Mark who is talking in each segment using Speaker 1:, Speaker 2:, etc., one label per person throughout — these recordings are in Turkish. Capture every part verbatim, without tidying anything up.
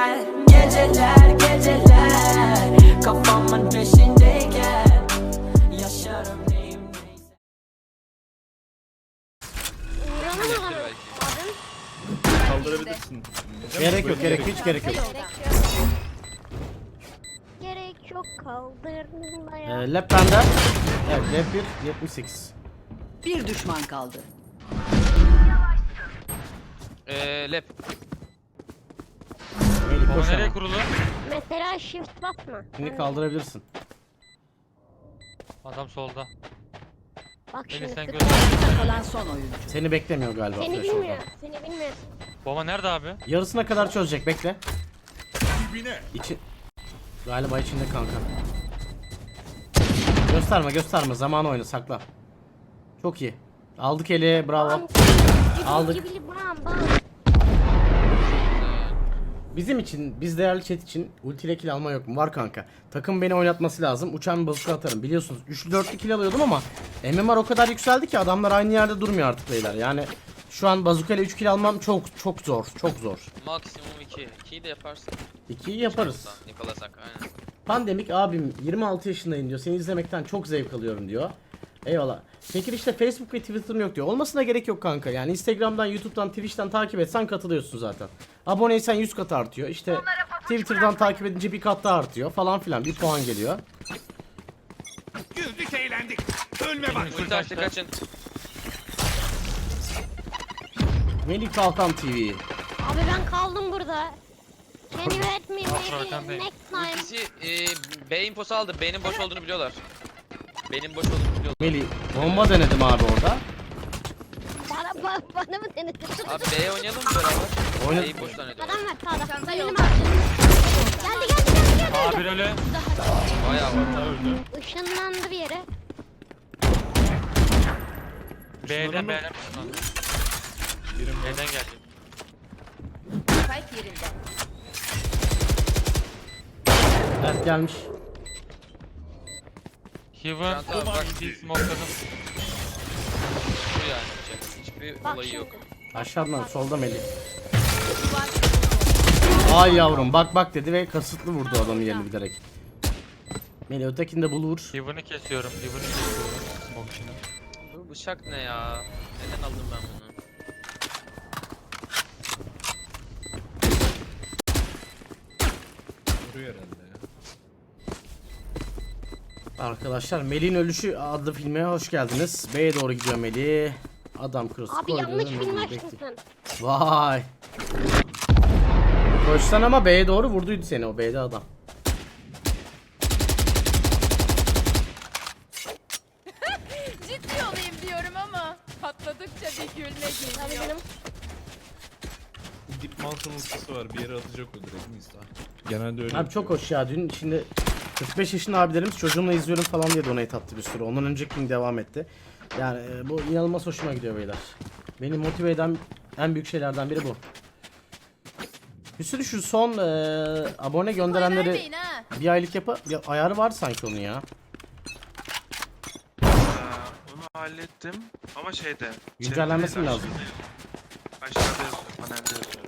Speaker 1: geceler, geceler, geceler kafamın peşindeyken yaşarım neyim neyse.
Speaker 2: Kaldırabilirsin.
Speaker 3: Gerek yok, gerek hiç gerek yok.
Speaker 4: Gerek yok kaldırmaya.
Speaker 3: Ee, lap bende. Evet, lap bir, yetmiş sekiz.
Speaker 5: Bir düşman kaldı.
Speaker 6: Eee lap.
Speaker 3: Melih
Speaker 7: Baba
Speaker 3: koş
Speaker 7: nereye
Speaker 3: ama.
Speaker 7: kurulu?
Speaker 4: Mesela shift basma.
Speaker 3: Şimdi kaldırabilirsin.
Speaker 7: Adam solda.
Speaker 4: Bak
Speaker 7: Beni
Speaker 4: şimdi.
Speaker 7: sen
Speaker 4: tık-
Speaker 7: göster.
Speaker 5: Kalan son oyuncu.
Speaker 3: Seni beklemiyor galiba.
Speaker 4: Seni
Speaker 3: flash
Speaker 4: bilmiyor.
Speaker 3: oradan.
Speaker 4: Seni bilmiyor.
Speaker 7: Baba nerede abi?
Speaker 3: Yarısına kadar çözecek, bekle. İçi... Galiba içinde kanka. Gösterme gösterme, zaman oyna, sakla. Çok iyi. Aldık eli, bravo.
Speaker 4: Bam,
Speaker 3: Aldık.
Speaker 4: gibi gibi bam bam.
Speaker 3: Bizim için, biz değerli chat için ultiyle kill alma yok mu? Var kanka. Takım beni oynatması lazım. Uçan bir bazuka atarım. Biliyorsunuz üçlü dörtlü kill alıyordum ama M M R o kadar yükseldi ki adamlar aynı yerde durmuyor artık beyler. Yani şu an bazuka ile üç kill almam çok çok zor. Çok zor.
Speaker 6: Maksimum iki. ikiyi de yaparsın.
Speaker 3: ikiyi yaparız.
Speaker 6: Nikolasak aynen.
Speaker 3: Pandemik abim yirmi altı yaşındayım diyor. Seni izlemekten çok zevk alıyorum diyor. Eyvallah. Peki işte Facebook ve Twitter'ım yok diyor. Olmasına gerek yok kanka. Yani Instagram'dan, YouTube'dan, Twitch'ten takip etsen katılıyorsun zaten. Aboneysen yüz kat artıyor. İşte Twitter'dan takip edince bir kat daha artıyor falan filan. Bir puan geliyor.
Speaker 2: Güldük eğlendik. Ölme bak.
Speaker 6: Ulti açtı kaçın.
Speaker 3: Melih Kalkan T V.
Speaker 4: Abi ben kaldım burada. Can you help me maybe
Speaker 7: arkandayım.
Speaker 4: next time?
Speaker 6: İkisi e, B infosu aldı. B'nin boş olduğunu biliyorlar. B'nin boş olduğunu biliyorlar.
Speaker 3: Melih bomba denedim abi orada.
Speaker 4: Bana, bana, bana mı denedin?
Speaker 6: Abi B'ye oynayalım mı beraber?
Speaker 3: Oyna-
Speaker 6: B'yi boş zannediyorlar.
Speaker 4: Adam var sağda. Benim abi. Geldi geldi geldi geldi.
Speaker 7: Abi öyle.
Speaker 6: Bayağı var.
Speaker 2: Öldü.
Speaker 4: Işınlandı bir yere.
Speaker 7: B'den B'den.
Speaker 2: Birim var.
Speaker 7: B'den geldi.
Speaker 5: Spike yerinde.
Speaker 3: Evet gelmiş.
Speaker 7: Heaven.
Speaker 6: Çanta abi bak.
Speaker 7: Bir smokeladım.
Speaker 6: Bu yani. bıçak. Hiçbir
Speaker 4: Bak
Speaker 6: olayı
Speaker 4: şimdi.
Speaker 6: yok.
Speaker 3: Aşağıdan solda Melih. Ay yavrum bak bak dedi ve kasıtlı vurdu adamı yerini bilerek. Melih ötekini de bulur.
Speaker 7: Heaven'ı kesiyorum. Heaven'ı kesiyorum. Smoke içine.
Speaker 6: Bu bıçak ne ya? Neden aldım ben bunu?
Speaker 2: Vuruyor herhalde ya.
Speaker 3: Arkadaşlar Melih'in Ölüşü adlı filme hoş geldiniz. B'ye doğru gidiyor Melih. Adam kırısı
Speaker 4: Abi
Speaker 3: koydu.
Speaker 4: yanlış
Speaker 3: Melih
Speaker 4: film
Speaker 3: bekliyor.
Speaker 4: açtın sen.
Speaker 3: Vay. Koşsan ama B'ye doğru vurduydu seni o B'de adam.
Speaker 8: Ciddi olayım diyorum ama patladıkça bir gülme
Speaker 4: Abi
Speaker 8: geliyor.
Speaker 4: benim.
Speaker 2: Dip Mountain ultisi var. Bir yere atacak o direkt Nisa. Genelde öyle.
Speaker 3: Abi çok hoş ya dün şimdi kırk beş yaşında abilerimiz çocuğumla izliyorum falan diye donate attı bir sürü. Ondan önceki gün devam etti. Yani e, bu inanılmaz hoşuma gidiyor beyler. Beni motive eden en büyük şeylerden biri bu. Bir sürü şu son e, abone gönderenleri
Speaker 8: Vermeyin ha.
Speaker 3: bir aylık yapı ya, ayarı var sanki onun ya.
Speaker 9: Ee, onu hallettim ama şeyde.
Speaker 3: Güncellenmesi mi
Speaker 9: chatte
Speaker 3: lazım?
Speaker 9: değil, Aşağıda yazıyor, panelde yazıyor.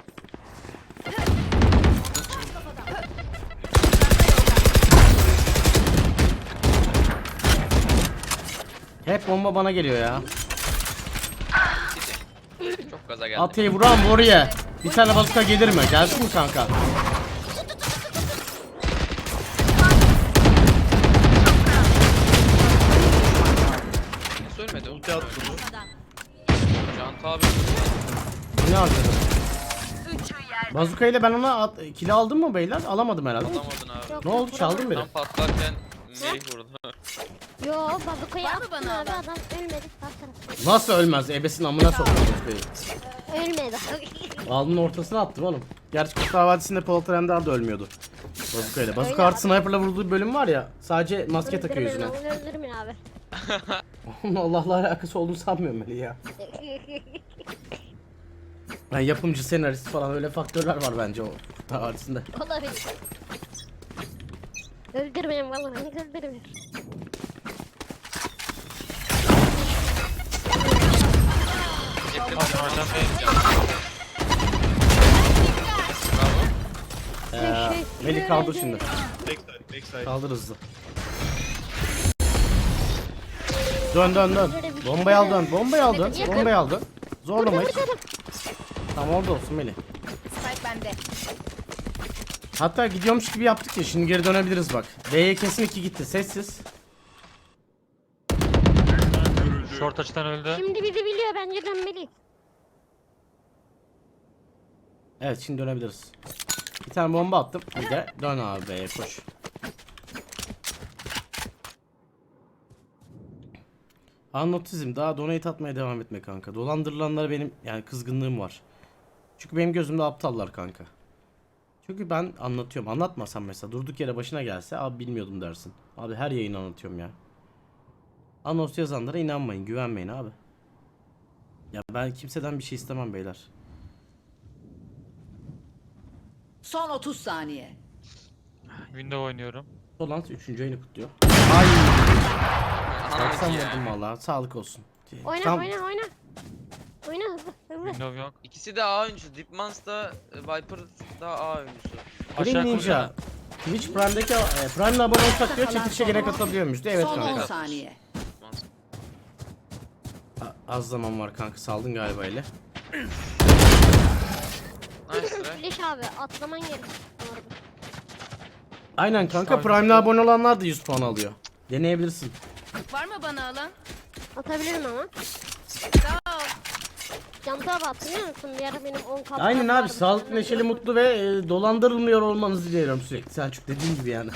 Speaker 3: Hep bomba bana geliyor ya.
Speaker 6: Çok gaza geldi.
Speaker 3: Atayı vuran vuruyor. Bir tane bazuka gelir mi? Gelsin mi kanka?
Speaker 6: Nasıl ölmedi?
Speaker 2: Ulti attı bu.
Speaker 6: Canta abi.
Speaker 3: Ne harcadım? Bazuka ile ben ona at, kill aldım mı beyler? Alamadım herhalde.
Speaker 6: Alamadın abi.
Speaker 3: Ne oldu? Çaldın beni.
Speaker 6: Tam patlarken Melih vurdu.
Speaker 4: Yo bazukayı
Speaker 8: Var mı
Speaker 4: attın
Speaker 8: bana
Speaker 4: abi
Speaker 8: alan?
Speaker 4: adam ölmedi. Baksana.
Speaker 3: Nasıl ölmez? Ebesin amına soktum bazukayı.
Speaker 4: Ölmedi.
Speaker 3: Alnının ortasına attım oğlum. Gerçi Kurtlar Vadisi'nde Polat Alemdar da ölmüyordu. Bazuka ile. Bazuka
Speaker 4: Öyle
Speaker 3: artı
Speaker 4: abi.
Speaker 3: sniper'la vurduğu bölüm var ya. Sadece maske takıyor yüzüne.
Speaker 4: Öldürmeyin abi, öldürmeyin abi.
Speaker 3: Onun Allah'la alakası olduğunu sanmıyorum Melih ya. Yani yapımcı, senarist falan öyle faktörler var bence o Kurtlar Vadisi'nde.
Speaker 4: Olabilir. Öldürmeyin vallahi öldürmeyin.
Speaker 6: Yakın.
Speaker 7: Abi oradan B'ye.
Speaker 6: Bravo.
Speaker 3: ya.
Speaker 4: Teşekkür
Speaker 3: Melih kaldır
Speaker 4: ederim.
Speaker 3: şimdi.
Speaker 2: Backside, backside.
Speaker 3: Kaldır hızlı. Dön dön dön. Bombayı al dön. Bombayı al dön. Bombayı al dön. Zorlama hiç. Tamam orada olsun Melih.
Speaker 8: Spike bende.
Speaker 3: Hatta gidiyormuş gibi yaptık ya, şimdi geri dönebiliriz bak. B'ye kesin iki gitti, sessiz.
Speaker 7: Short açıdan öldü.
Speaker 4: Şimdi bizi biliyor, bence dönmeli.
Speaker 3: Evet şimdi dönebiliriz. Bir tane bomba attım, bir de dön abi B'ye koş. Anotizm, daha donate atmaya devam etme kanka. Dolandırılanlara benim yani kızgınlığım var. Çünkü benim gözümde aptallar kanka. Çünkü ben anlatıyorum. Anlatmasam mesela durduk yere başına gelse abi bilmiyordum dersin. Abi her yayın anlatıyorum ya. Anons yazanlara inanmayın, güvenmeyin abi. Ya ben kimseden bir şey istemem beyler.
Speaker 5: Son otuz saniye.
Speaker 7: Window oynuyorum.
Speaker 3: Solant üçüncü ayını kutluyor. Ay, doksan
Speaker 6: ya.
Speaker 3: vurdum valla. Sağlık olsun.
Speaker 4: Oyna
Speaker 3: Tam-
Speaker 4: oyna oyna. Oyna hızlı hızlı.
Speaker 7: Window yok.
Speaker 6: İkisi de A oyuncusu. Dipmans da e, Viper da A oyuncusu.
Speaker 3: Green
Speaker 7: Aşağı
Speaker 3: Ninja.
Speaker 7: koysana.
Speaker 3: Twitch Prime'deki e, Prime'le abone olsak diyor, çekilişe gene katılabiliyormuştu. Evet
Speaker 5: Son on
Speaker 3: kanka.
Speaker 5: saniye.
Speaker 6: Dipmans.
Speaker 3: A- Az zaman var kanka, saldın galiba ile.
Speaker 6: Nice try.
Speaker 4: Flash abi atlaman gerek. Bu arada.
Speaker 3: Aynen kanka,
Speaker 7: Sağ-
Speaker 3: Prime'le abone olanlar da yüz puan alıyor. Deneyebilirsin.
Speaker 8: Var mı bana alan?
Speaker 4: Atabilirim ama.
Speaker 8: Sağ ol.
Speaker 4: Canta abi hatırlıyor musun? Bir ara benim on kaptan
Speaker 3: Aynen abi,
Speaker 4: vardı.
Speaker 3: sağlıklı,
Speaker 4: Senden
Speaker 3: neşeli,
Speaker 4: sonra-
Speaker 3: mutlu ve e, dolandırılmıyor olmanızı diliyorum sürekli. Selçuk dediğim gibi yani.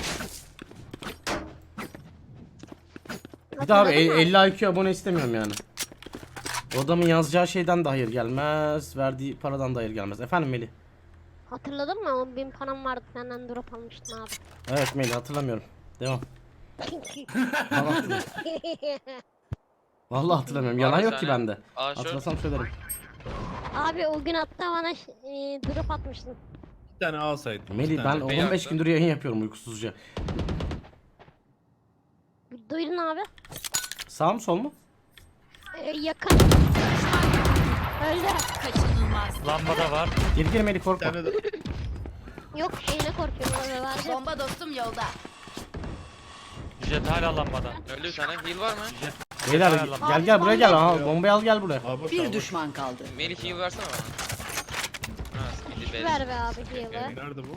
Speaker 3: Bir daha abi
Speaker 4: Hatırladın mı?
Speaker 3: elli I Q abone istemiyorum yani. O adamın yazacağı şeyden de hayır gelmez, verdiği paradan da hayır gelmez. Efendim Melih?
Speaker 4: Hatırladın mı? on bin param vardı, senden drop almıştım abi.
Speaker 3: Evet Melih, hatırlamıyorum. Devam. Vallahi hatırlamıyorum. Vallahi hatırlamıyorum.
Speaker 6: Var
Speaker 3: Yalan
Speaker 6: bir
Speaker 3: yok ki
Speaker 6: tane.
Speaker 3: bende.
Speaker 6: A short.
Speaker 3: Hatırlasam söylerim.
Speaker 4: Abi o gün hatta bana ş- e, drop atmıştın.
Speaker 2: Bir tane A side. iki
Speaker 3: Melih ben
Speaker 2: tane.
Speaker 6: Bey
Speaker 3: on beş
Speaker 6: yaptı.
Speaker 3: gündür yayın yapıyorum uykusuzca.
Speaker 4: Duydun abi.
Speaker 3: Sağ mı sol mu?
Speaker 4: E, yakın. Öldü.
Speaker 8: Kaçınılmaz.
Speaker 7: Lambada var.
Speaker 3: Geri geri Melih,
Speaker 2: Bir
Speaker 3: korkma.
Speaker 2: tane de
Speaker 4: Yok şeyine korkuyorum abi, verdi.
Speaker 8: Bomba dostum yolda.
Speaker 7: Jet hala lambada.
Speaker 6: Öldü bir tane. Heal var mı?
Speaker 3: Beyler
Speaker 7: Abi,
Speaker 3: gel gel buraya gel. Aha, bombayı al gel buraya.
Speaker 2: A boş, A
Speaker 5: Bir
Speaker 2: boş.
Speaker 5: düşman kaldı.
Speaker 6: Melih heal versene bana. Ha, speedy base.
Speaker 4: Ver be abi heal'ı.
Speaker 2: Nerede bu?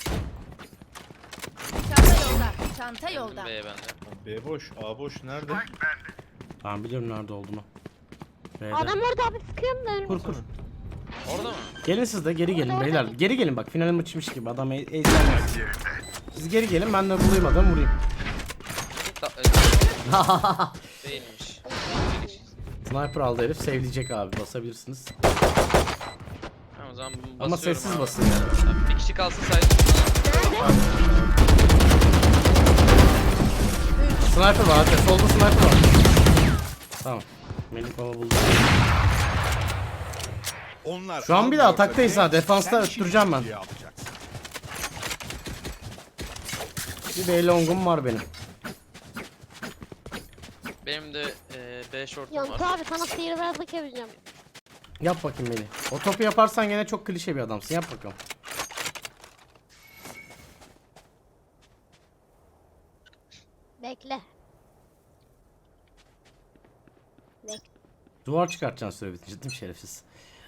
Speaker 8: Çanta yolda. Çanta yolda.
Speaker 6: B'ye bende.
Speaker 2: B boş, A boş. Nerede?
Speaker 3: Ben biliyorum nerede olduğunu. B'de.
Speaker 4: Adam orada abi, sıkıyorum da önüme.
Speaker 3: Kur kur.
Speaker 6: Orada mı?
Speaker 3: Gelin siz de geri gelin beyler. Geri gelin bak, final maçıymış gibi adam e eğlenmez. Siz geri gelin, ben de bulayım adamı vurayım.
Speaker 6: Ta- e, Değilmiş.
Speaker 3: Sniper aldı herif, sevleyecek abi, basabilirsiniz.
Speaker 6: Tamam, o zaman basıyorum
Speaker 3: Ama sessiz
Speaker 6: abi.
Speaker 3: basın yani.
Speaker 6: Abi, bir kişi kalsın saydı.
Speaker 3: Sniper var hadi, solda sniper var. Tamam. Melih baba buldu.
Speaker 10: Onlar
Speaker 3: Şu an bir de ataktayız ha, defansta öttüreceğim ben. Bir B long'um var benim.
Speaker 6: Benim de e, B short'um
Speaker 4: Yantı
Speaker 6: var.
Speaker 4: abi sana sihirbazlık yapacağım.
Speaker 3: Yap bakayım Melih. O topu yaparsan gene çok klişe bir adamsın, yap bakalım.
Speaker 4: Bekle. Bekle.
Speaker 3: Duvar çıkartacaksın süre bitince değil mi şerefsiz?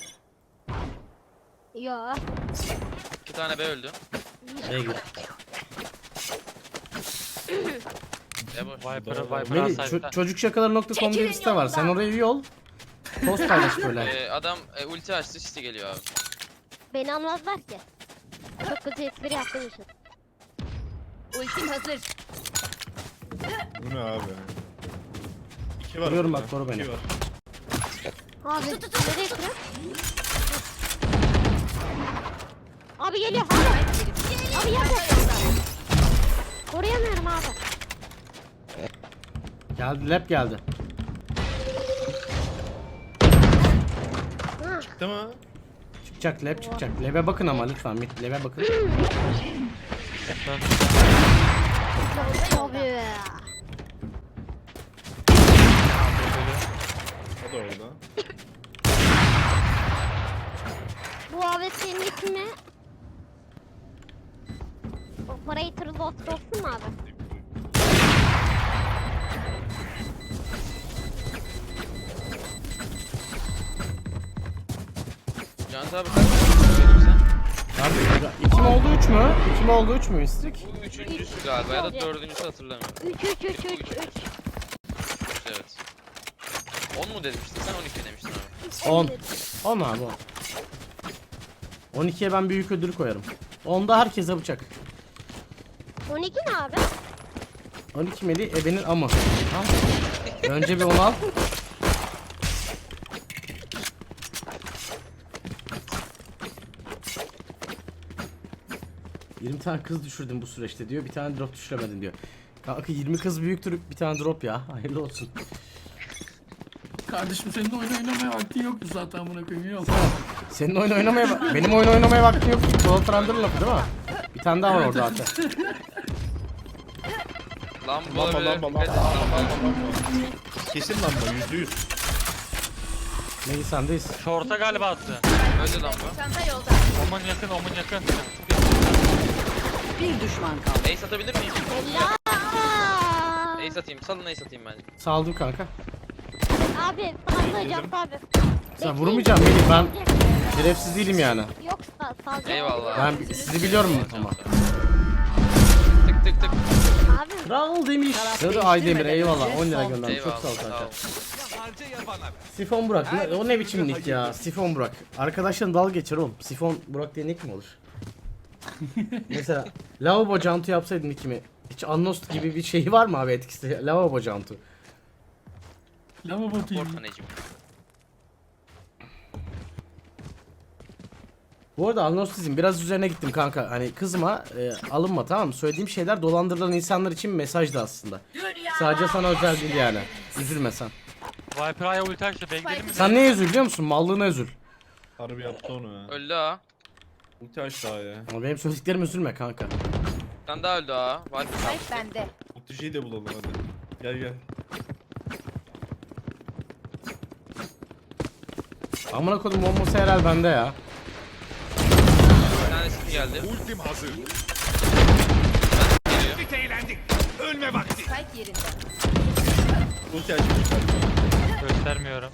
Speaker 4: Yo.
Speaker 6: İki tane B öldü.
Speaker 3: B'ye gir.
Speaker 6: B boş.
Speaker 7: Viper'ı Viper'ı
Speaker 3: Melih
Speaker 7: asaydı.
Speaker 3: ço- çocuk şakaları nokta com diye bir site var. Sen oraya üye ol. Post paylaş böyle.
Speaker 6: E, adam e, ulti açtı, City geliyor abi.
Speaker 4: Beni anlamazlar ki. Çok kötü espri yaptığım için.
Speaker 8: Ultim hazır.
Speaker 2: Bu ne abi? İki var.
Speaker 3: Vuruyorum
Speaker 2: orada.
Speaker 3: bak, koru beni.
Speaker 2: İki var.
Speaker 4: Abi nereye kırıyor? Abi geliyor abi. Abi yapma. Koruyamıyorum abi.
Speaker 3: Geldi, lap geldi.
Speaker 4: Ha.
Speaker 2: Çıktı mı?
Speaker 3: Çıkacak, lap çıkacak. Lab'e bakın ama lütfen, mid lab'e bakın.
Speaker 4: Abi.
Speaker 2: O da orada.
Speaker 4: Bu abi senin ismi Operator lost olsun mu abi?
Speaker 6: Can abi kaç tane sen?
Speaker 3: Abi iki mi oldu üç mü? iki mi oldu üç mü mistik?
Speaker 6: Bu üçüncüsü galiba ya da dördüncüsü hatırlamıyorum.
Speaker 4: üç üç üç üç üç.
Speaker 6: Evet. on mu demiştin sen on iki demiştin abi.
Speaker 3: on. on abi on. on ikiye ben büyük ödül koyarım. onda herkese bıçak.
Speaker 4: on iki ne abi?
Speaker 3: on iki meli ebenin amı. Al. Önce bir onu al. yirmi tane kız düşürdüm bu süreçte diyor. Bir tane drop düşüremedin diyor. Kanka yirmi kız büyüktür bir tane drop ya. Hayırlı olsun.
Speaker 10: Kardeşim senin de oyun oynamaya vaktin yoktu zaten buna koyayım yok.
Speaker 3: Senin oyun oynamaya bak. Benim oyun oynamaya vaktim yok. Polat Trander'ın lafı değil mi? Bir tane daha var orada hatta.
Speaker 6: Lamba
Speaker 2: Lamba
Speaker 6: olabilir.
Speaker 2: lamba lamba
Speaker 6: Evet,
Speaker 2: lamba lamba. Kesin lamba yüzde yüz.
Speaker 3: Neyi sendeyiz?
Speaker 7: Short'a galiba attı.
Speaker 6: Öldü lamba.
Speaker 8: Çanta yolda.
Speaker 7: Omun yakın, omun yakın.
Speaker 5: Bir düşman kaldı.
Speaker 6: Ace atabilir miyim?
Speaker 4: Helal.
Speaker 6: Ace atayım. Salın ace atayım bence.
Speaker 3: Saldım kanka.
Speaker 4: Abi sallayacağım abi.
Speaker 3: Sen vurmayacağım Melih, ben şerefsiz değilim yani.
Speaker 4: Yok sal salacağım.
Speaker 6: Eyvallah.
Speaker 3: Ben sizi biliyorum ama.
Speaker 6: Tık tık tık.
Speaker 4: Abi
Speaker 3: Kral demiş.
Speaker 5: Taraf
Speaker 3: Sarı Aydemir
Speaker 5: değiştirmeden
Speaker 3: eyvallah
Speaker 5: önce
Speaker 3: on lira
Speaker 5: son-
Speaker 3: göndermiş. Çok sağ ol
Speaker 6: Eyvallah.
Speaker 3: kanka.
Speaker 6: Sağ ol.
Speaker 3: Sifon Burak. Ne- o ne biçim nick ya? Sifon Burak. Arkadaşların dalga geçer oğlum. Sifon Burak diye nick mi olur? Mesela lavabo cantu yapsaydın nickimi. Hiç Annost gibi bir şey var mı abi etkisi? Lavabo cantu.
Speaker 10: Lavabo T V.
Speaker 6: Orta Necim.
Speaker 3: Bu arada Agnostizm biraz üzerine gittim kanka. Hani kızma, e, alınma tamam mı? Söylediğim şeyler dolandırılan insanlar için mesajdı aslında. Sadece sana özel değil yani. Üzülme sen.
Speaker 7: Viper Aya ulti açtı. Bekleyelim mi?
Speaker 3: Sen neye üzül biliyor musun? Mallığına üzül.
Speaker 2: Harbi yaptı onu ya.
Speaker 6: Öldü ha.
Speaker 2: Ulti açtı daha ya.
Speaker 3: Ama benim söylediklerim üzülme kanka.
Speaker 6: Bir tane daha öldü ha. Var mı?
Speaker 8: Spike bende.
Speaker 2: Ulticiyi de bulalım hadi. Gel gel.
Speaker 3: Amına kodum bombası herhal bende ya.
Speaker 6: Bir tanesi geldi.
Speaker 11: Ultim hazır.
Speaker 6: Geliyor.
Speaker 8: Spike yerinde.
Speaker 2: Ulti açmış.
Speaker 7: Göstermiyorum.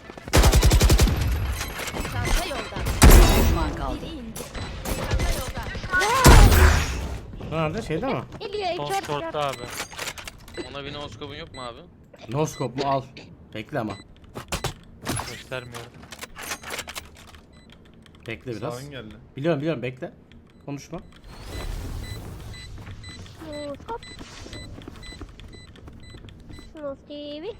Speaker 8: Çanta yolda.
Speaker 5: Bir düşman kaldı.
Speaker 8: Çanta yolda.
Speaker 3: Nerede? Şeyde mi?
Speaker 4: geliyor
Speaker 7: Son
Speaker 4: çok
Speaker 7: short'ta abi.
Speaker 6: Ona bir noskopun yok mu abi?
Speaker 3: Noskop mu al. Bekle ama.
Speaker 7: Göstermiyorum.
Speaker 3: Bekle biraz.
Speaker 2: Sağın geldi.
Speaker 3: Biliyorum biliyorum bekle. Konuşma.
Speaker 4: Hop. Snow T V.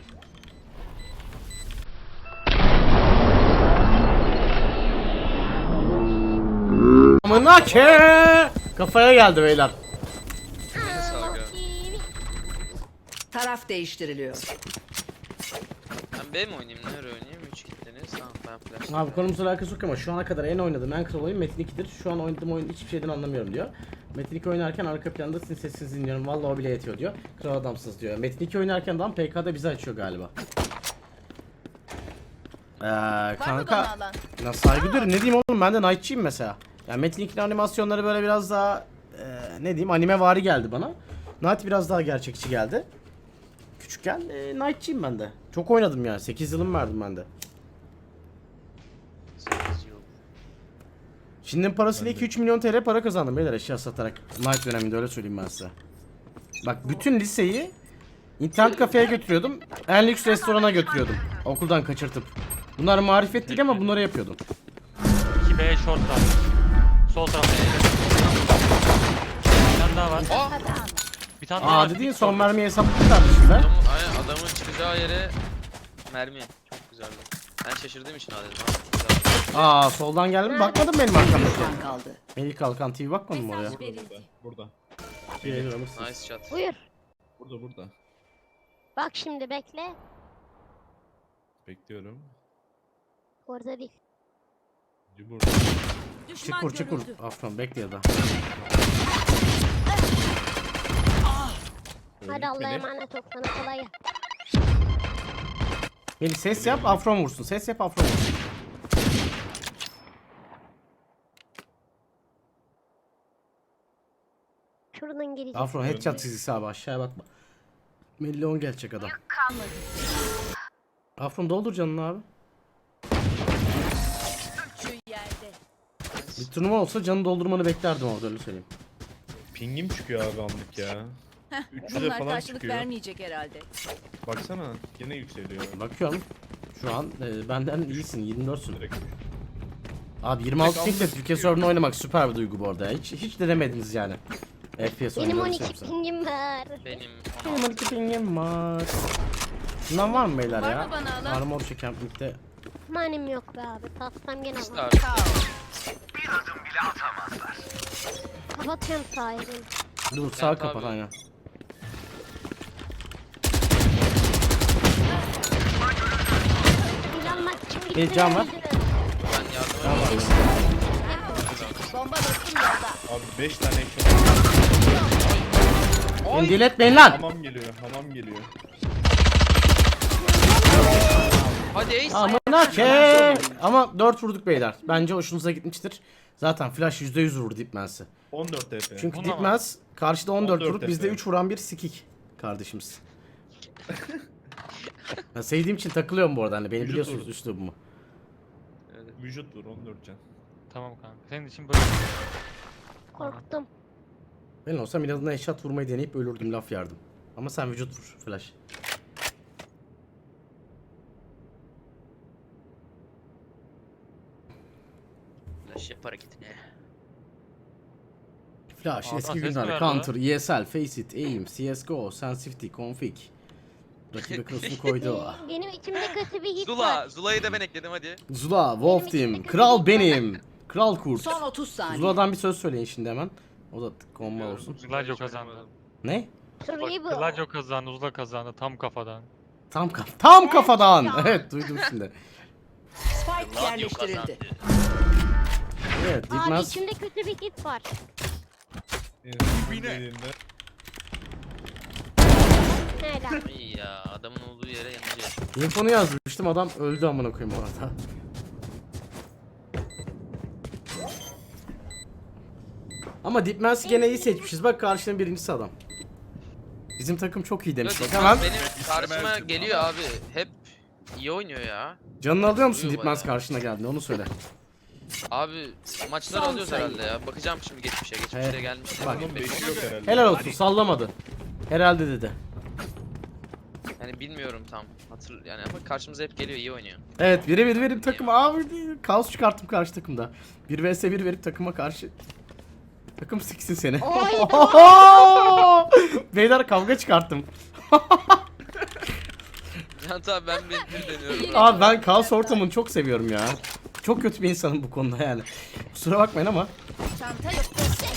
Speaker 3: Amına ke. Kafaya geldi beyler.
Speaker 6: Sağ ol.
Speaker 4: T V.
Speaker 5: Taraf değiştiriliyor.
Speaker 6: Ben B mi oynayayım? Nereye oynayayım? üç kitleniz. Tamam ben flash.
Speaker 3: Abi konumuzla alakası yok ama şu ana kadar en oynadığım en kral oyun Metin iki'dir. Şu an oynadığım oyun hiçbir şeyden anlamıyorum diyor. Metin iki oynarken arka planda sizin sesinizi dinliyorum. Vallahi o bile yetiyor diyor. Kral adamsınız diyor. Metin iki oynarken de P K'da bizi açıyor galiba. Eee
Speaker 8: Var mı bana
Speaker 3: kanka
Speaker 8: alan?
Speaker 3: ya saygı duyuyorum. Ne diyeyim oğlum ben de Knight'çıyım mesela. Yani Metin iki'nin animasyonları böyle biraz daha eee, ne diyeyim anime vari geldi bana. Knight biraz daha gerçekçi geldi. Küçükken eee Knight'çıyım ben de. Çok oynadım yani. sekiz yılım verdim ben de. Şimdinin parasıyla iki üç milyon T L para kazandım beyler eşya satarak. Night döneminde öyle söyleyeyim ben size. Bak bütün liseyi internet kafeye götürüyordum. En lüks restorana götürüyordum. Okuldan kaçırtıp. Bunlar marifet değil ama bunları yapıyordum.
Speaker 7: iki B short'ta. Sol tarafta. Bir tane daha var.
Speaker 6: Aa!
Speaker 7: Bir tane daha
Speaker 3: Aa
Speaker 7: var.
Speaker 3: dediğin son mermiyi hesapladık kardeşim be.
Speaker 6: Adamın, aynen adamın çıkacağı yere mermi. Çok güzeldi. Ben şaşırdığım için adedim ha. Güzel.
Speaker 3: Aa soldan geldi mi? Bakmadın benim arkamdaki.
Speaker 5: Düşman kaldı.
Speaker 3: Melih Kalkan T V bakmadın mı oraya?
Speaker 11: Burada. Burada.
Speaker 3: Bir alırsın.
Speaker 6: Nice shot.
Speaker 4: Buyur.
Speaker 2: Burada burada.
Speaker 4: Bak şimdi bekle.
Speaker 2: Bekliyorum.
Speaker 4: Orada değil.
Speaker 2: Burada.
Speaker 3: Çıkur çıkur. Afron bekle ya da.
Speaker 4: Hadi Allah'a emanet ol sana kolay gelsin.
Speaker 3: Melih ses yap Afron vursun. Ses yap Afron vursun.
Speaker 4: Şuradan gelecek.
Speaker 3: Afro headshot çizgisi abi, aşağıya bakma. Milyon gelecek adam. Afron doldur canını abi.
Speaker 8: Şu yerde.
Speaker 3: Bir turnuva olsa canı doldurmanı beklerdim orada, öyle söyleyeyim.
Speaker 2: Pingim çıkıyor abi anlık ya. üç yüze
Speaker 5: Bunlar
Speaker 2: falan
Speaker 5: karşılık
Speaker 2: çıkıyor.
Speaker 5: vermeyecek herhalde.
Speaker 2: Baksana yine yükseliyor.
Speaker 3: Bakıyorum. Şu an e, benden iyisin, yirmi dörtsün.
Speaker 2: Direkt.
Speaker 3: Abi yirmi altı
Speaker 2: Direkt
Speaker 3: pingle
Speaker 2: aldım.
Speaker 3: Türkiye server'ını oynamak süper bir duygu bu arada. Hiç hiç denemediniz yani. F P S
Speaker 4: Benim
Speaker 3: oynamak
Speaker 4: on
Speaker 3: için
Speaker 4: iki
Speaker 3: yoksa.
Speaker 4: pingim var.
Speaker 6: Benim
Speaker 3: Benim on iki pingim var. Bundan var mı beyler
Speaker 8: Var
Speaker 3: ya?
Speaker 8: mı bana alan?
Speaker 3: Armor çeken pinkte.
Speaker 4: Manim yok be abi. Tatsam gene
Speaker 6: İşte
Speaker 4: var.
Speaker 6: abi.
Speaker 4: Kapatıyorum sahibini.
Speaker 3: Dur sağ
Speaker 6: Evet
Speaker 3: kapat
Speaker 6: abi.
Speaker 3: aynen.
Speaker 4: Planmak için bitti.
Speaker 3: Bir can var.
Speaker 6: Ben yardım edeyim.
Speaker 8: Bomba dostum yolda.
Speaker 2: Abi beş tane ekşi.
Speaker 3: Beni deli etmeyin lan.
Speaker 2: Hamam geliyor, hamam geliyor.
Speaker 6: Hadi Ace.
Speaker 3: Amına ke. Ama dört vurduk beyler. Bence hoşunuza gitmiştir. Zaten flash yüzde yüz vurdu Dipmens'i.
Speaker 2: on dört T P.
Speaker 3: Çünkü
Speaker 7: Buna mı?
Speaker 3: Dipmens karşıda on dört
Speaker 2: on dört
Speaker 3: vurup bizde
Speaker 2: F P.
Speaker 3: üç vuran bir sikik kardeşimiz. Ben sevdiğim için takılıyorum bu arada, hani beni
Speaker 2: Vücut
Speaker 3: biliyorsunuz
Speaker 2: vurdu.
Speaker 3: üslubumu.
Speaker 2: Vücut vur on dört can.
Speaker 7: Tamam kanka. Senin için böyle.
Speaker 4: Korktum.
Speaker 3: Ben olsam inadına eşat vurmayı deneyip ölürdüm, laf yardım. Ama sen vücut vur flash.
Speaker 6: Flash yap hareketini.
Speaker 3: Flash,
Speaker 7: Adam
Speaker 3: eski
Speaker 7: ses mi
Speaker 3: günler,
Speaker 7: verdi
Speaker 3: Counter, E S L, Faceit, Aim, C S G O, Sensitivity, Config. Rakibe cross'unu koydu.
Speaker 4: Benim içimde kötü bir his
Speaker 6: Zula.
Speaker 4: var.
Speaker 6: Zula'yı da ben ekledim hadi.
Speaker 3: Zula, Wolf Team, Kral benim, Kral Kurt.
Speaker 5: Son otuz saniye.
Speaker 3: Zula'dan bir söz söyleyin şimdi hemen. O da komba olsun.
Speaker 7: Gladio kazandı.
Speaker 3: Ne?
Speaker 4: Şurayı bu.
Speaker 7: Gladio kazandı, Uzla kazandı tam kafadan.
Speaker 3: Tam kaf tam kafadan. Evet, duydum şimdi.
Speaker 5: Spike yerleştirildi.
Speaker 3: Evet,
Speaker 4: Abi
Speaker 3: Dipmens
Speaker 4: içimde kötü bir his var.
Speaker 2: Dediğinde
Speaker 4: Helal.
Speaker 6: İyi ya adamın olduğu yere yanacağız.
Speaker 3: infonu yazmıştım, adam öldü amına koyayım bu arada. Ama Dipmens'i gene iyi seçmişiz. Bak karşının birincisi adam. Bizim takım çok iyi demiş. Bak hemen.
Speaker 6: Benim karşıma geliyor abi. Hep iyi oynuyor ya.
Speaker 3: Canını alıyor musun
Speaker 6: Vuruyor
Speaker 3: Dipmens
Speaker 6: bayağı.
Speaker 3: karşına geldiğinde, onu söyle.
Speaker 6: Abi maçları
Speaker 5: Son
Speaker 6: alıyoruz
Speaker 5: sayı.
Speaker 6: herhalde ya. Bakacağım şimdi geçmişe. Geçmişte
Speaker 3: Evet.
Speaker 6: gelmişti.
Speaker 3: Bak.
Speaker 2: onun beşi yok herhalde.
Speaker 3: Helal olsun, sallamadı. Herhalde dedi.
Speaker 6: Yani bilmiyorum tam. Hatır yani ama karşımıza hep geliyor, iyi oynuyor.
Speaker 3: Evet, biri bir verip takım abi kaos çıkarttım karşı takımda. bir vs bir verip takıma karşı takım siksin seni. Beyler kavga çıkarttım.
Speaker 6: Yani tabii ben bir, bir deniyorum.
Speaker 3: Abi ben kaos ortamını çok seviyorum ya. Çok kötü bir insanım bu konuda yani. Kusura bakmayın ama.
Speaker 8: Çanta yok.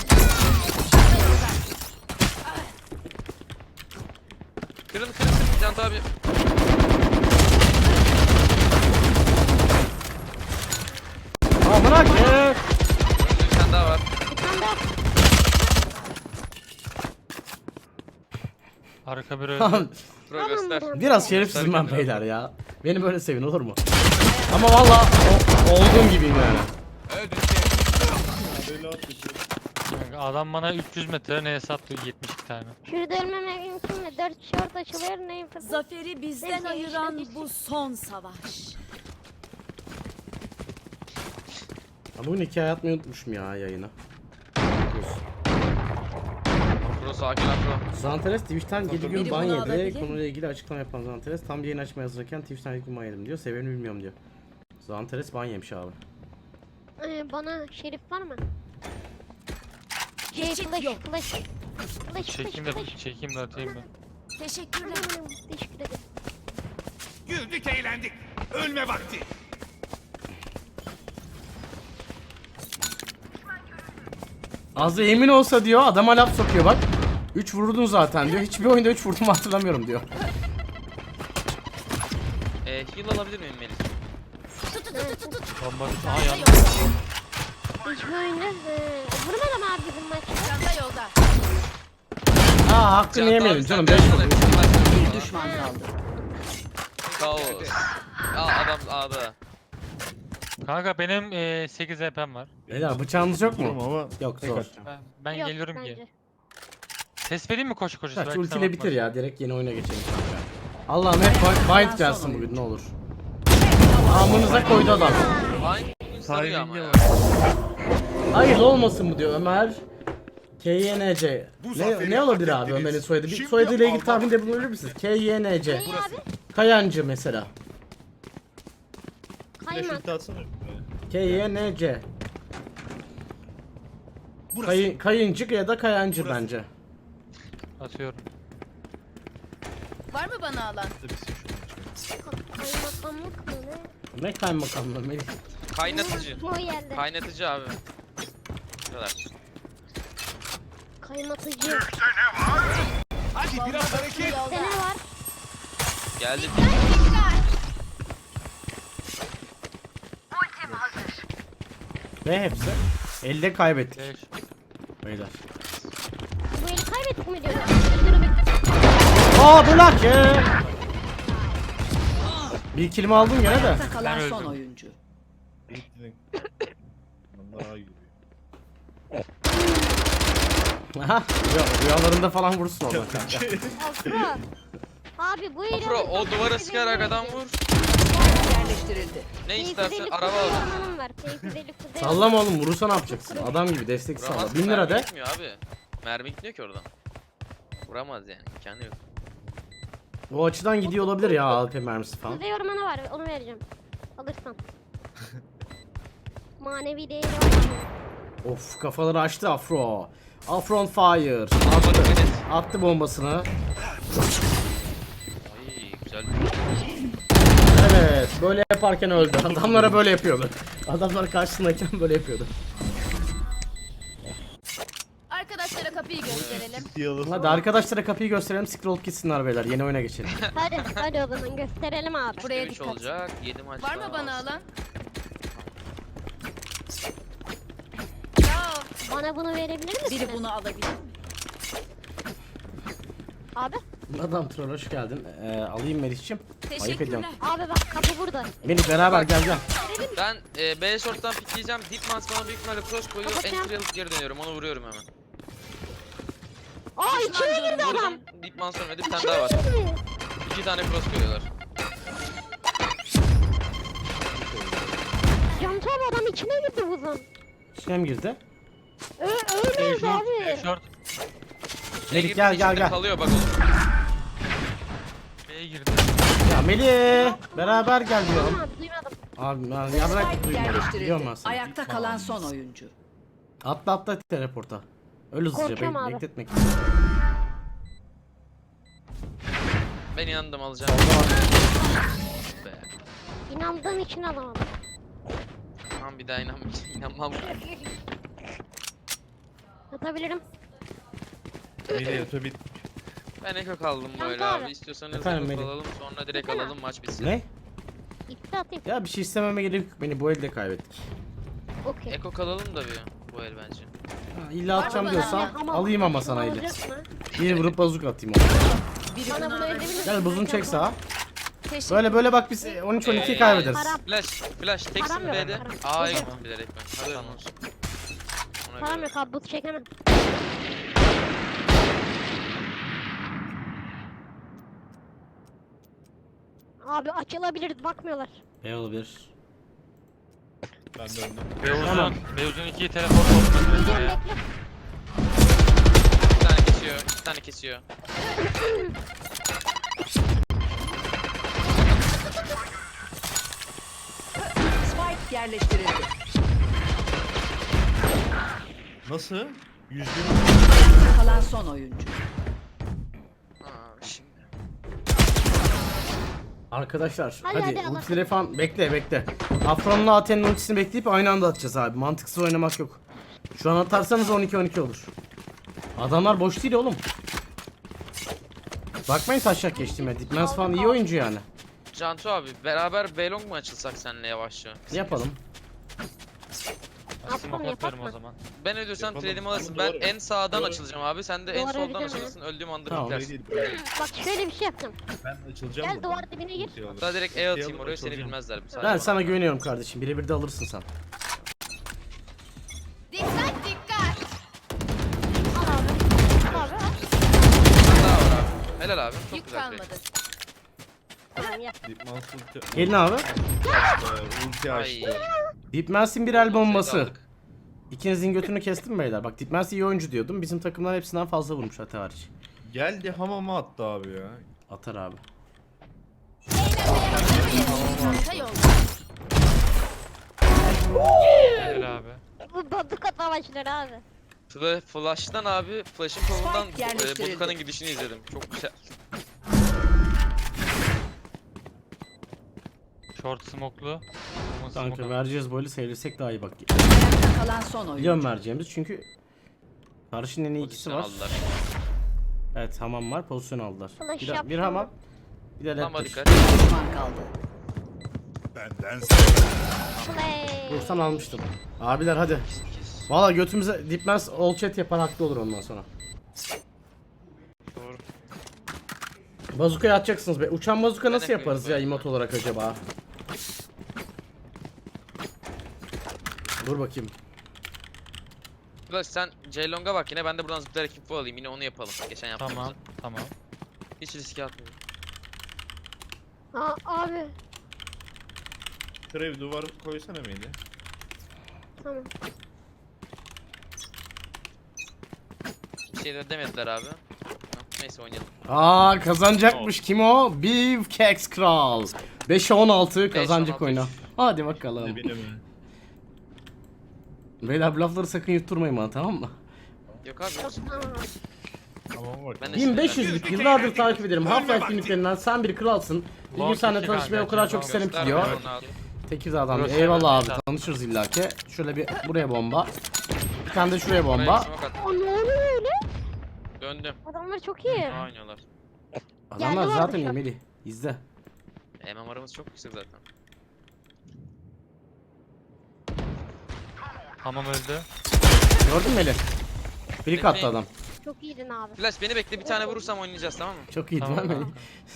Speaker 6: Kırın kırın kırın Can abi.
Speaker 3: Amına ke.
Speaker 6: Bir tane daha var.
Speaker 7: Arka bir öldü.
Speaker 6: Pro göster.
Speaker 3: Biraz şerefsizim ben beyler ya. Beni böyle sevin olur mu? Ama valla o- olduğum gibiyim yani.
Speaker 2: Böyle at geçiyor.
Speaker 7: Kanka adam bana üç yüz metre neye sattı yetmiş iki tane.
Speaker 4: Şurada ölmeme mümkün mü? Dört şort açılıyor neyim?
Speaker 8: Zaferi bizden
Speaker 4: Neyse,
Speaker 8: ayıran
Speaker 4: işte-
Speaker 8: bu son savaş.
Speaker 3: Ya bugün hikaye atmayı unutmuşum ya yayına.
Speaker 6: Pro sakin lan pro.
Speaker 3: Zanteres Twitch'ten yedi gün
Speaker 5: Biri
Speaker 3: ban
Speaker 5: bunu
Speaker 3: yedi.
Speaker 5: alabilir mi?
Speaker 3: Konuyla ilgili açıklama yapan Zanteres tam bir yayın açmaya hazırken Twitch'ten yedi gün ban yedim diyor. Sebebini bilmiyorum diyor. Zanteres ban yemiş abi.
Speaker 4: Ee, bana şerif var mı? Şey,
Speaker 8: Geçit
Speaker 4: flash,
Speaker 8: yok.
Speaker 4: flash. Flash,
Speaker 7: Çekeyim
Speaker 4: flash,
Speaker 7: de
Speaker 4: flash.
Speaker 7: çekeyim de atayım mı?
Speaker 8: Teşekkürler.
Speaker 4: Aman, teşekkür ederim.
Speaker 11: Güldük eğlendik. Ölme vakti.
Speaker 3: Az da emin olsa diyor, adama laf sokuyor bak. üç vurdun zaten diyor. Hiçbir oyunda üç vurdum hatırlamıyorum diyor.
Speaker 6: Ee, heal alabilir miyim Melih?
Speaker 7: Bomba düştü. Aha yandı.
Speaker 4: Hiçbir oyunda e, vurmadım abi bizim maçta.
Speaker 8: Çanta yolda.
Speaker 3: Aa hakkını
Speaker 6: Can
Speaker 3: yemeyelim
Speaker 6: abi,
Speaker 3: canım.
Speaker 6: sen
Speaker 3: beş
Speaker 6: de-
Speaker 3: vurdum.
Speaker 5: Bir düşman kaldı.
Speaker 6: Kaos. Aa adam A'da.
Speaker 7: Kanka benim e, sekiz H P'm var.
Speaker 3: Beyler bıçağınız yok
Speaker 2: Durum
Speaker 3: mu?
Speaker 2: ama
Speaker 3: Yok
Speaker 2: tek
Speaker 3: zor.
Speaker 2: atacağım.
Speaker 7: Ben, ben
Speaker 4: Yok,
Speaker 7: geliyorum
Speaker 4: bence.
Speaker 7: ki. Ses vereyim mi koşu koşu?
Speaker 3: Kaç
Speaker 7: Belki
Speaker 3: ultiyle
Speaker 7: sana
Speaker 3: bitir
Speaker 7: bakmaz.
Speaker 3: ya, direkt yeni oyuna geçelim kanka. Allah'ım hep bind, bind gelsin bugün ne olur. Amınıza koydu adam.
Speaker 6: Aynı sarıyor ama ya.
Speaker 3: Hayırlı olmasın mı diyor Ömer. K Y N C.
Speaker 11: Bu
Speaker 3: Ne,
Speaker 11: zaferi
Speaker 3: ne olabilir
Speaker 11: hak
Speaker 3: abi
Speaker 11: ettiniz.
Speaker 3: Ömer'in soyadı? Bir
Speaker 11: Şimdi
Speaker 3: soyadıyla ilgili
Speaker 11: Alman-
Speaker 3: tahminde bulunabilir misiniz? K Y N C.
Speaker 4: Ne abi?
Speaker 3: Kayancı mesela.
Speaker 4: Kaymak.
Speaker 3: K Y N C.
Speaker 11: Burası.
Speaker 3: Kayı, kayıncık ya da kayancı
Speaker 11: Burası.
Speaker 3: bence.
Speaker 7: Atıyorum.
Speaker 8: Var mı bana alan?
Speaker 4: Kaymakamlık mı ne?
Speaker 3: Ne kaymakamlı Melih?
Speaker 6: Kaynatıcı.
Speaker 4: O yerde.
Speaker 6: Kaynatıcı abi. Bu kadar.
Speaker 4: Kaymatıcı.
Speaker 11: Hadi biraz hareket.
Speaker 4: Sene var.
Speaker 6: Geldi.
Speaker 3: Ne hepsi? Elde kaybettik
Speaker 7: Beş.
Speaker 3: beyler.
Speaker 4: Bu eli kaybettik mi diyorlar?
Speaker 3: Aa bu lak ya. Bir kelime aldım gene de.
Speaker 5: Ayakta kalan
Speaker 7: Ben
Speaker 5: son
Speaker 7: öldüm.
Speaker 5: oyuncu.
Speaker 3: Aha, rüya- rüyalarında falan vursun oradan kanka.
Speaker 4: Afro. Abi bu eli...
Speaker 6: Afro o duvara sıkarak adam vur.
Speaker 5: Yerleştirildi.
Speaker 6: Ne
Speaker 4: Keyifli
Speaker 6: istersen
Speaker 4: deli
Speaker 6: araba
Speaker 4: kuzey
Speaker 6: al.
Speaker 4: ormanım var. Keyifli deli kuzey
Speaker 3: Sallama oğlum, vurursa ne yapacaksın? Adam gibi destek salla.
Speaker 6: Vuramaz.
Speaker 3: bin lira
Speaker 6: Mermi
Speaker 3: de.
Speaker 6: gitmiyor abi. Mermi gitmiyor ki oradan. Vuramaz yani. İmkanı yok.
Speaker 3: O açıdan gidiyor olabilir ya A W P mermisi falan.
Speaker 4: Kuzey ormanı var, onu vereceğim. Alırsan. Manevi değeri var.
Speaker 3: Of, kafaları açtı Afro. Afro on fire.
Speaker 6: Ama
Speaker 3: Attı.
Speaker 6: dikkat et.
Speaker 3: Attı bombasını.
Speaker 6: Ay güzel.
Speaker 3: Evet, böyle yaparken öldü. Adamlara böyle yapıyordu. Adamlar karşısındayken böyle yapıyordu.
Speaker 8: Arkadaşlara kapıyı gösterelim.
Speaker 3: Hadi arkadaşlara kapıyı gösterelim, scroll gitsinler beyler. Yeni oyuna geçelim.
Speaker 4: Hadi, hadi o zaman gösterelim abi.
Speaker 8: Buraya
Speaker 6: üç
Speaker 8: dikkat.
Speaker 6: olacak. yedi maç
Speaker 8: Var mı
Speaker 6: daha
Speaker 8: bana
Speaker 6: olsun.
Speaker 8: alan? Ya
Speaker 4: Bana bunu verebilir misin?
Speaker 5: Biri bunu alabilir mi?
Speaker 4: Abi,
Speaker 3: Adam troll hoş geldin. Ee, alayım Melih'cim. Ayıp ediyorum.
Speaker 4: abi bak kapı burada.
Speaker 3: Melih beraber gel gel.
Speaker 6: Ben e, B short'tan pikleyeceğim. Deepmans bana büyük ihtimalle cross koyuyor.
Speaker 4: Kapatacağım.
Speaker 6: Entry alıp geri dönüyorum. Onu vuruyorum hemen.
Speaker 4: Aa içine girdi adam.
Speaker 6: Vurdum. Deepmans ölmedi. Bir tane daha var. İki tane cross koyuyorlar.
Speaker 4: Cantu abi adam içine girdi buzun.
Speaker 3: İçine mi girdi?
Speaker 4: Ö öyleyiz
Speaker 7: Short.
Speaker 4: abi.
Speaker 7: Short.
Speaker 3: Melih gel gel gel.
Speaker 6: Kalıyor bak oğlum.
Speaker 7: B'ye girdi.
Speaker 3: Ya Melih beraber gel diyorum.
Speaker 4: Duymadım, duymadım.
Speaker 3: Abi ben yarrak
Speaker 5: Spike
Speaker 3: duymadım. Biliyorum
Speaker 5: yerleştirildi.
Speaker 3: ben seni.
Speaker 5: Ayakta kalan son oyuncu.
Speaker 3: Atla atla teleporta. Öyle hızlıca
Speaker 4: Korkuyorum
Speaker 3: be
Speaker 4: abi.
Speaker 3: bekletmek.
Speaker 6: Ben inandım alacağım. Be.
Speaker 4: İnandığım için alamadım.
Speaker 6: Tamam bir daha inan inanmam.
Speaker 4: Atabilirim.
Speaker 6: Ben eko kaldım
Speaker 4: Tamam,
Speaker 6: böyle
Speaker 4: tamam.
Speaker 6: abi. İstiyorsanız
Speaker 3: Efendim,
Speaker 6: eko
Speaker 3: Melih.
Speaker 6: alalım sonra direkt
Speaker 4: Efendim?
Speaker 6: alalım maç bitsin.
Speaker 3: Ne?
Speaker 4: İpte atayım.
Speaker 3: Ya bir şey istememe gerek yok. Beni bu elde kaybettik.
Speaker 4: Okey.
Speaker 6: Eko kalalım da bir bu el bence.
Speaker 3: Ha, illa atacağım
Speaker 8: bana
Speaker 3: diyorsan
Speaker 4: Ama-
Speaker 3: alayım ama sana
Speaker 4: Bunu
Speaker 3: eli.
Speaker 4: alacak mı?
Speaker 3: Bir vurup bazuk atayım ona.
Speaker 5: Biri
Speaker 4: Bana
Speaker 5: bunu
Speaker 4: bunu
Speaker 5: alabilir
Speaker 4: ödebilir
Speaker 5: mi?
Speaker 4: misin?
Speaker 3: Gel buzun çek sağa.
Speaker 8: teşekkür.
Speaker 3: Böyle böyle bak biz on üç on iki
Speaker 6: Ee,
Speaker 3: kaybederiz.
Speaker 4: Param,
Speaker 6: Flash, flash, teksin
Speaker 4: Param yok,
Speaker 6: B'de.
Speaker 4: param.
Speaker 6: A'ya
Speaker 4: Yok.
Speaker 6: gittim bilerek ben. Haberin olsun. Ona
Speaker 4: param
Speaker 6: göre.
Speaker 4: yok abi buz çekemem. Abi açılabiliriz bakmıyorlar.
Speaker 3: Ne olabilir?
Speaker 7: B uzun.
Speaker 3: Tamam.
Speaker 7: B uzun ikiyi teleport olsun.
Speaker 4: Bekle
Speaker 7: Ya.
Speaker 4: bekle.
Speaker 6: Bir tane kesiyor, iki tane kesiyor.
Speaker 5: Spike yerleştirildi.
Speaker 2: Nasıl? Yüzde
Speaker 5: Ayakta kalan son oyuncu.
Speaker 6: Aa, şimdi.
Speaker 3: Arkadaşlar
Speaker 4: Hadi,
Speaker 3: hadi,
Speaker 4: hadi, Allah.
Speaker 3: ultileri falan bekle bekle. Afron'la Aten'in ultisini bekleyip aynı anda atacağız abi. Mantıksız oynamak yok. Şu an atarsanız on iki on iki olur. Adamlar boş değil oğlum. Bakmayın taşak geçtiğime. Dipmens falan iyi oyuncu yani.
Speaker 6: Cantu abi beraber B-Long mu açılsak seninle yavaşça?
Speaker 3: Yapalım.
Speaker 7: Smoke atıyorum o zaman.
Speaker 6: Ben ödüyorsam trade'imi alırsın. Ben en sağdan açılacağım abi. Sen de en
Speaker 4: Duvar
Speaker 6: soldan
Speaker 4: öreceğim
Speaker 6: açılırsın. Öldüğüm anda
Speaker 3: Tamam.
Speaker 6: beklersin.
Speaker 4: Bak şöyle bir şey yapacağım.
Speaker 2: Ben açılacağım.
Speaker 4: Gel duvar dibine gir.
Speaker 6: Hatta direkt E atayım oraya seni bilmezler. Sadece
Speaker 3: Ben
Speaker 6: bana.
Speaker 3: sana güveniyorum kardeşim. Birebir de alırsın sen.
Speaker 8: Dikkat dikkat.
Speaker 4: Al abi. Al abi al.
Speaker 6: Helal abi. Çok
Speaker 8: Yük
Speaker 6: güzel play.
Speaker 8: kalmadı.
Speaker 4: Tamam yap.
Speaker 2: Deep Mouse ulti
Speaker 3: Gelin abi.
Speaker 2: açtı. Ulti
Speaker 6: Ay.
Speaker 2: açtı.
Speaker 3: Deepmans'in bir el bombası.
Speaker 6: Aldık.
Speaker 3: İkinizin götünü kestim beyler. Bak Deepmans iyi oyuncu diyordum. Bizim takımlar hepsinden fazla vurmuş Ate hariç.
Speaker 2: Geldi hamama attı abi ya.
Speaker 3: Atar abi.
Speaker 8: Çanta yolda.
Speaker 7: Helal abi.
Speaker 4: Bu bazuka savaşları abi.
Speaker 6: Fla- Flash'tan abi, Flash'ın kolundan
Speaker 5: Spike
Speaker 6: e,
Speaker 5: yerleştirildi.
Speaker 6: Botka'nın gidişini izledim. Çok güzel.
Speaker 7: Short smoke'lu. Bomba
Speaker 3: Kanka
Speaker 7: smoke'lu.
Speaker 3: vereceğiz böyle seyirlesek daha iyi bak.
Speaker 5: Ayakta kalan son oyuncu.
Speaker 3: Biliyorum vereceğimiz çünkü karşının en iyi ikisi
Speaker 6: Pozisyon
Speaker 3: var.
Speaker 6: aldılar.
Speaker 3: Evet hamam var, pozisyon aldılar.
Speaker 4: Flash
Speaker 3: Bir,
Speaker 4: yaptı
Speaker 3: bir hamam. Bir de
Speaker 6: Lamba
Speaker 3: laptop.
Speaker 6: dikkat.
Speaker 5: Düşman kaldı.
Speaker 11: Benden
Speaker 4: Play.
Speaker 3: Vursan almıştım. Abiler hadi. Valla götümüze Deepmans all chat yapar haklı olur ondan sonra.
Speaker 9: Doğru.
Speaker 3: Bazuka'ya atacaksınız be. Uçan bazuka nasıl
Speaker 6: Ben
Speaker 3: yaparız ya
Speaker 6: yapıyorum.
Speaker 3: emot olarak acaba? Dur bakayım.
Speaker 6: Flash sen Ceylong'a bak yine, ben de buradan zıplayarak info alayım, yine onu yapalım. Geçen yaptığımızı.
Speaker 7: Tamam. Tamam.
Speaker 6: Hiç riske atmıyorum.
Speaker 4: Aa, abi.
Speaker 2: Şuraya bir duvar koysana Melih.
Speaker 4: Tamam.
Speaker 6: Bir şey de demediler abi. Neyse oynayalım.
Speaker 3: Aa kazanacakmış kim o? Beefcakes Kral. beşe on altı kazanacak
Speaker 6: on altı.
Speaker 3: oyuna. Hadi bakalım.
Speaker 2: Ne bileyim mi?
Speaker 3: Beyler bu lafları sakın yutturmayın bana tamam mı?
Speaker 6: Yok abi. yok.
Speaker 4: Tamam.
Speaker 2: Hamama bak.
Speaker 6: Ben de
Speaker 3: bin beş yüzlük yıllardır takip ederim. Half-Life günlüklerinden sen bir kralsın. Bir gün
Speaker 7: Long
Speaker 3: seninle
Speaker 7: iki
Speaker 3: tanışmayı o
Speaker 7: kanka,
Speaker 3: kadar çok
Speaker 7: long.
Speaker 3: isterim ki
Speaker 6: Göster
Speaker 3: diyor.
Speaker 6: bana onu abi.
Speaker 3: Tekirdağ'dan
Speaker 7: Burası
Speaker 3: eyvallah abi
Speaker 7: evet.
Speaker 3: tanışırız illaki. Şöyle bir buraya bomba. Bir tane de şuraya
Speaker 6: Oraya
Speaker 3: bomba.
Speaker 6: smoke attım.
Speaker 4: Aa, ne oluyor öyle?
Speaker 6: Döndüm.
Speaker 4: Adamlar çok iyi.
Speaker 6: Ne oynuyorlar?
Speaker 3: Adamlar
Speaker 4: Geldi
Speaker 3: zaten
Speaker 4: vardı şu an.
Speaker 3: Emeli. İzle.
Speaker 6: M M R'ımız çok yüksek zaten.
Speaker 7: Hamam öldü.
Speaker 3: Gördün mü Eli? Biri attı adam.
Speaker 4: Çok iyiydin abi.
Speaker 6: Flash beni bekle, bir tane vurursam oynayacağız, tamam mı?
Speaker 3: Çok iyi değil
Speaker 7: Tamam,
Speaker 3: mi Melih?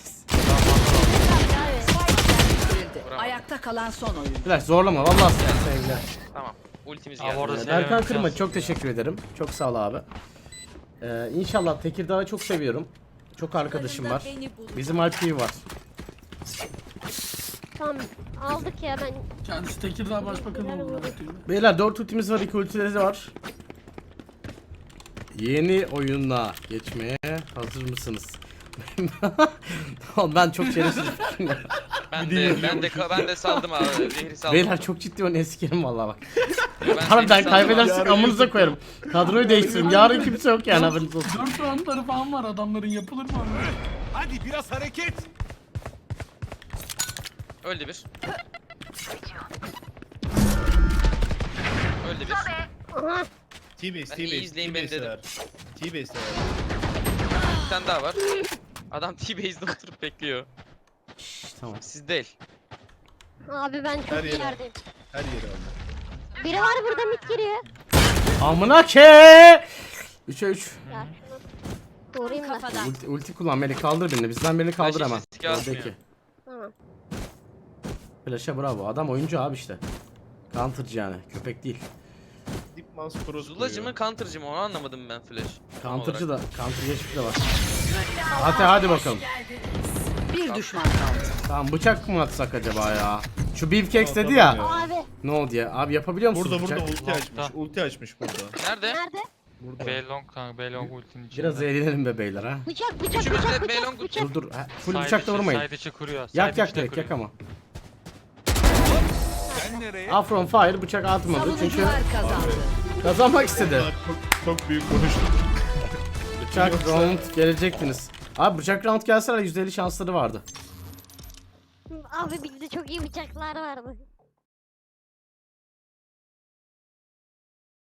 Speaker 4: Abi, abi.
Speaker 5: Spike yerleştirildi.
Speaker 6: Bravo.
Speaker 5: Ayakta kalan son oyuncu.
Speaker 3: Flash zorlama vallahi sevgiler.
Speaker 6: Tamam. Ultimiz
Speaker 7: Abi
Speaker 6: geldi.
Speaker 7: orada
Speaker 3: Ee,
Speaker 7: seviyorum.
Speaker 3: Berkan Kırma çok teşekkür ederim. Çok sağ ol abi. Ee, inşallah Tekirdağ'ı çok seviyorum. Çok arkadaşım var. Bizim Alpi'yi var.
Speaker 4: Tamam. Aldık ya ben.
Speaker 10: Kendisi Tekirdağ Başbakanı oldu. anlatıyor.
Speaker 3: Beyler dört ultimiz var, iki ultileri de var. Yeni oyuna geçmeye hazır mısınız? Oğlum ben çok şerefsiz.
Speaker 6: Ben de ben de ben de saldım abi. Zehri saldım.
Speaker 3: Beyler çok ciddi oyunu sikerim vallahi bak.
Speaker 6: Ben
Speaker 3: Harbiden
Speaker 6: zehri saldım
Speaker 3: kaybedersek
Speaker 2: Yarın
Speaker 3: amınıza koyarım. Kadroyu değiştiririm. Yarın kimse yok yani haberiniz olsun.
Speaker 10: Dört roundları falan var adamların, yapılır mı?
Speaker 11: Hadi biraz hareket.
Speaker 6: abi. Öldü bir. Öldü bir.
Speaker 4: Aha.
Speaker 2: T-base,
Speaker 6: Ben
Speaker 2: T-base,
Speaker 6: iyi izleyin beni
Speaker 2: T-base
Speaker 6: dedim.
Speaker 2: var. T-base var.
Speaker 6: Bir tane daha var. Adam T-base'de oturup bekliyor.
Speaker 3: Şşş, tamam.
Speaker 6: Siz değil.
Speaker 4: Abi ben çok
Speaker 2: Her
Speaker 4: iyi
Speaker 2: yere.
Speaker 4: yerdeyim.
Speaker 2: Her yeri aldı.
Speaker 4: Biri var burada mid giriyor.
Speaker 3: Amına ke! üçe üç.
Speaker 4: Ya şunu. Doğrayayım da.
Speaker 8: Kafadan.
Speaker 3: Ulti, ulti kullan beni kaldır birini. Bizden birini kaldır
Speaker 6: Flash
Speaker 3: hemen.
Speaker 6: riske atmıyor.
Speaker 3: Oradaki.
Speaker 4: Tamam.
Speaker 3: Flash'a bravo. Adam oyuncu abi işte. Counter'cı yani. Köpek değil.
Speaker 2: Deep Mouse cross
Speaker 6: Zulacı mı counter'cı mı onu anlamadım ben Flash. Tam
Speaker 3: Counter'cı
Speaker 6: olarak.
Speaker 3: da. Counter geçmiş de var. Hadi hadi bakalım.
Speaker 5: Bir düşman kaldı.
Speaker 3: Tamam bıçak mı atsak acaba ya? Şu Beefcakes dedi ya.
Speaker 4: Abi.
Speaker 3: Ne oldu ya? Abi yapabiliyor musunuz
Speaker 2: Burada
Speaker 3: bıçak?
Speaker 2: burada ulti açmış.
Speaker 7: Long'da.
Speaker 2: Ulti açmış burada.
Speaker 6: Nerede?
Speaker 4: Nerede?
Speaker 2: Burada.
Speaker 7: B long kanka. B long ultinin içinde.
Speaker 3: Biraz eğlenelim be beyler ha.
Speaker 4: Bıçak bıçak
Speaker 6: Üçümüz de
Speaker 4: bıçak
Speaker 6: Beylong
Speaker 4: bıçak bıçak.
Speaker 3: Dur dur. Ha, full
Speaker 7: Side
Speaker 3: bıçakla
Speaker 7: içi-
Speaker 3: vurmayın.
Speaker 7: Side içi kuruyor.
Speaker 3: Yak
Speaker 7: side
Speaker 3: yak
Speaker 7: içi de
Speaker 3: direkt yak
Speaker 7: kuruyor.
Speaker 3: ama.
Speaker 11: Sen nereye?
Speaker 3: Afron Fire bıçak atmadı çünkü
Speaker 5: Savunucular kazandı.
Speaker 3: kazanmak istedi.
Speaker 2: Çok, çok büyük konuştum.
Speaker 3: Bıçak round gelecektiniz. Abi bıçak round gelseler yüzde elli şansları vardı.
Speaker 4: Abi bizde çok iyi bıçaklar vardı.